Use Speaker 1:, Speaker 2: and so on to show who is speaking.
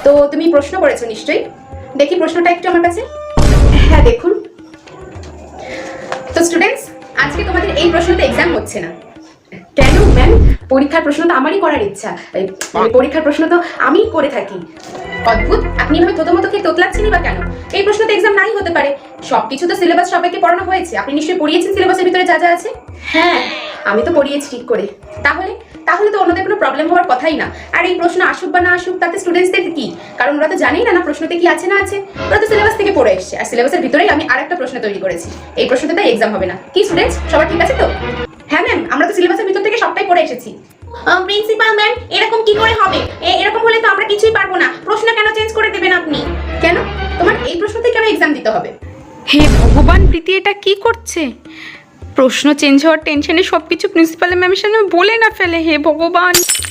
Speaker 1: তো তুমি প্রশ্ন করেছো নিশ্চয়ই, দেখি প্রশ্নটা একটু আমার কাছে। হ্যাঁ দেখুন। তো স্টুডেন্টস, আজকে তোমাদের এই প্রশ্নতে এক্সাম হচ্ছে না। কেন ম্যাম? পরীক্ষার প্রশ্ন তো আমারই করার ইচ্ছা, পরীক্ষার প্রশ্ন তো আমিই করে থাকি। অদ্ভুত, আপনি এভাবে থতমত খেয়ে তোতলাচ্ছেনই বা কেন? এই প্রশ্নতে এক্সাম নাই হতে পারে, সবকিছু তো সিলেবাস সবাইকে পড়ানো হয়েছে। আপনি নিশ্চয়ই পড়িয়েছেন সিলেবাসের ভিতরে যা যা আছে। হ্যাঁ, আমি তো পড়িয়েছি ঠিক করে। তাহলে তাহলে তো অন্যদের কোনো প্রবলেম হওয়ার কথাই না। আর এই প্রশ্ন আসুক বা না আসুক তাতে স্টুডেন্টসদের কি, কারণ ওরা তো জানেই না প্রশ্নতে কি আছে না আছে। ওরা তো সিলেবাস থেকে পড়ে এসছে, আর সিলেবাসের ভিতরেই আমি আরেকটা প্রশ্ন তৈরি করেছি। এই প্রশ্নতে তাই এক্সাম হবে না। কি স্টুডেন্টস, সবার ঠিক আছে তো? হ্যাঁ ম্যাম, আমরা তো সিলেবাসের ভিতর থেকে সবটাই পড়ে এসেছি। প্রিন্সিপাল ম্যাম, এরকম কি করে হবে? এরকম হলে তো আমরা কিছুই পারবো না। প্রশ্ন কেন চেঞ্জ করে দেবেন আপনি? কেন? তোমার এই প্রশ্নতে কেন এক্সাম দিতে হবে?
Speaker 2: হে ভগবান, প্রীতি এটা কি করছে? প্রশ্ন চেঞ্জ হওয়ার টেনশনে সব কিছু প্রিন্সিপাল ম্যামের সামনে বলে না ফেলে। হে ভগবান।